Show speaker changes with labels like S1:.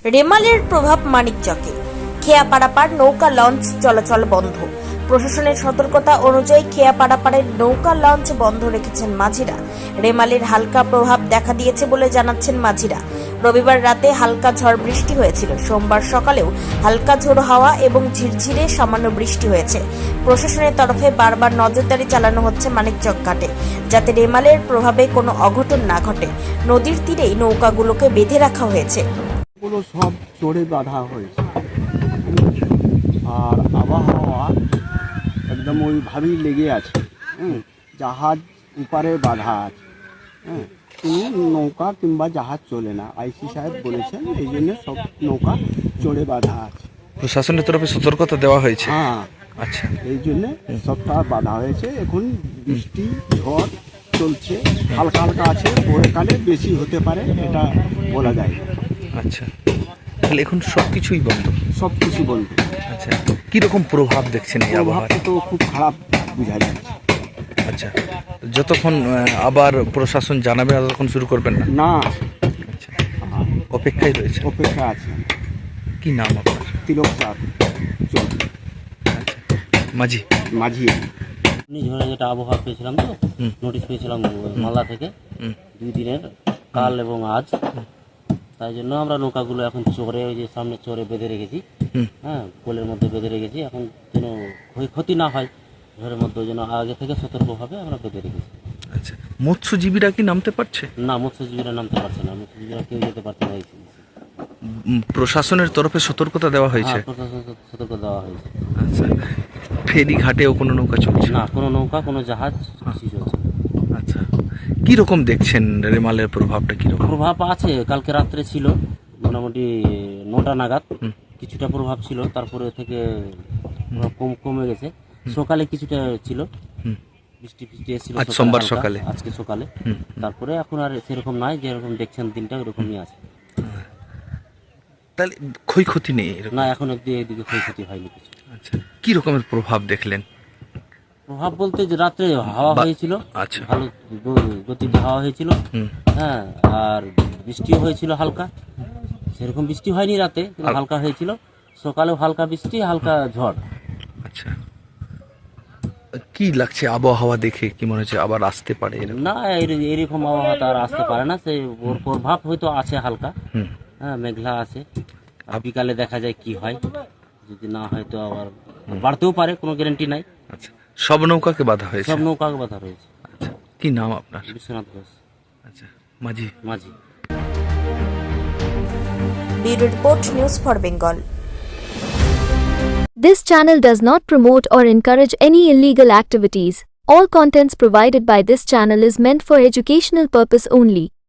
S1: রেমালের প্রভাব মানিকচকে। খেয়া পারাপার নৌকা লঞ্চ চলাচল বন্ধ। প্রশাসনের সতর্কতা অনুযায়ী খেয়া পারাপারের নৌকা লঞ্চ বন্ধ রেখেছেন মাঝিরা। রেমালের হালকা প্রভাব দেখা দিয়েছে বলে জানাচ্ছেন মাঝিরা। রবিবার রাতে হালকা ঝড় বৃষ্টি হয়েছিল। সোমবার সকালেও হালকা ঝোড়ো হাওয়া এবং ঝিরঝিরে সামান্য বৃষ্টি হয়েছে। প্রশাসনের তরফে বারবার নজরদারি চালানো হচ্ছে মানিকচক ঘাটে, যাতে রেমালের প্রভাবে কোনো অঘটন না ঘটে। নদীর তীরেই নৌকাগুলোকে বেঁধে রাখা হয়েছে।
S2: পুরো সব চড়ে বাঁধা হয়েছে আর আবহাওয়া একদম ওইভাবেই লেগে আছে। জাহাজ উপারে বাঁধা আছে, কোনো নৌকা কিংবা জাহাজ চলে না। আইসি সাহেব বলেছেন এই জন্য সব নৌকা চড়ে বাঁধা আছে।
S3: প্রশাসনের তরফে সতর্কতা দেওয়া হয়েছে।
S2: হ্যাঁ,
S3: আচ্ছা,
S2: এই জন্যে সবটা বাঁধা হয়েছে। এখন বৃষ্টি ঝড় চলছে, হালকা হালকা আছে, পরেকালে বেশি হতে পারে, এটা বলা যায় না।
S3: আচ্ছা, তাহলে এখন সব কিছুই বন্ধ।
S2: সব কিছু বন্ধ।
S3: আচ্ছা, কিরকম প্রভাব দেখছেন এই আবহাওয়ার?
S2: প্রভাবটা তো খুব খারাপ বোঝা যাচ্ছে।
S3: আচ্ছা, যতক্ষণ আবার প্রশাসন জানাবে ততক্ষণ শুরু করবেন না?
S2: না,
S3: আচ্ছা, অপেক্ষায় রয়েছে।
S2: অপেক্ষা আছে।
S3: কি নাম আপনার?
S2: তিলক চাঁদ চৌধুরী,
S3: আচ্ছা, মাঝি।
S2: মাঝি।
S4: ঘূর্ণিঝড়ে যেটা আবহাওয়া পেয়েছিলাম, তো নোটিশ পেয়েছিলাম মালদা থেকে 2 দিনের, কাল এবং আজ। তাই জন্য আমরা নৌকাগুলো এখন চরে, ওই যে সামনে চরে বেঁধে রেখেছি। হ্যাঁ, কোলের মধ্যে বেঁধে রেখেছি, এখন যেন ক্ষয়ক্ষতি না হয় ঝড়ের মধ্যে, ওই জন্য আগে থেকে সতর্কভাবে আমরা বেঁধে রেখেছি।
S3: আচ্ছা, মৎস্যজীবীরা কি নামতে পারছে?
S4: না, মৎস্যজীবীরা নামতে পারছে না, মৎস্যজীবীরা কেউ যেতে পারছে না।
S3: প্রশাসনের তরফে সতর্কতা দেওয়া হয়েছে?
S4: হ্যাঁ, প্রশাসন সতর্ক দেওয়া হয়েছে।
S3: আচ্ছা, ফেরি ঘাটেও কোনো নৌকা চলছে
S4: না, কোনো নৌকা, কোনো জাহাজ কিছু চলছে না।
S3: আচ্ছা, কি রকম দেখছেন রেমালের প্রভাবটা? কি রকম
S4: প্রভাব আছে? কালকে রাত্রে ছিল মোটামুটি 9টা নাগাদ কিছুটা প্রভাব ছিল, তারপরে থেকে কমে গেছে। সকালে কিছুটা ছিল, বৃষ্টি এসেছিল
S3: আজ সোমবার সকালে,
S4: আজকে সকালে। তারপরে এখন আর সেরকম নাই, যেরকম দেখছেন দিনটা ওরকমই আছে।
S3: তাহলে ক্ষয়ক্ষতি নেই এরকম?
S4: না, এখন অব্দি এদিকে ক্ষয়ক্ষতি হয়নি কিছু।
S3: আচ্ছা, কি রকমের প্রভাব দেখলেন?
S4: প্রভাব বলতে যে রাত্রে হাওয়া হয়েছিল,
S3: আচ্ছা,
S4: ভালো গতিতে হাওয়া হয়েছিল। হ্যাঁ, আর বৃষ্টিও হয়েছিল হালকা। সেরকম বৃষ্টি হয়নি রাতে, কিন্তু হালকা হয়েছিল। সকালেও হালকা বৃষ্টি, হালকা ঝড়।
S3: আচ্ছা, কি লাগছে আবহাওয়া দেখে? কি মনে হচ্ছে আবার আসতে পারে এরকম?
S4: না, এরকম আবহাওয়া তো আর আসতে পারে না। সে ওর প্রভাব হয়তো আছে হালকা। হ্যাঁ, মেঘলা আছে। আর বিকালে দেখা যায় কি হয়, যদি না হয় তো আবার বাড়তেও পারে, কোনো গ্যারান্টি নাই।
S3: আচ্ছা, সব নৌকাকে বাধা হয়েছে?
S4: সব নৌকাকে বাধা রয়েছে।
S3: আচ্ছা, কি নাম আপনার?
S4: বিশ্বনাথ ঘোষ।
S3: আচ্ছা, মাঝি।
S4: মাঝি।
S1: Bureau report, news for Bengal.
S5: This channel does not promote or encourage any illegal activities. All contents provided by this channel is meant for educational purpose only.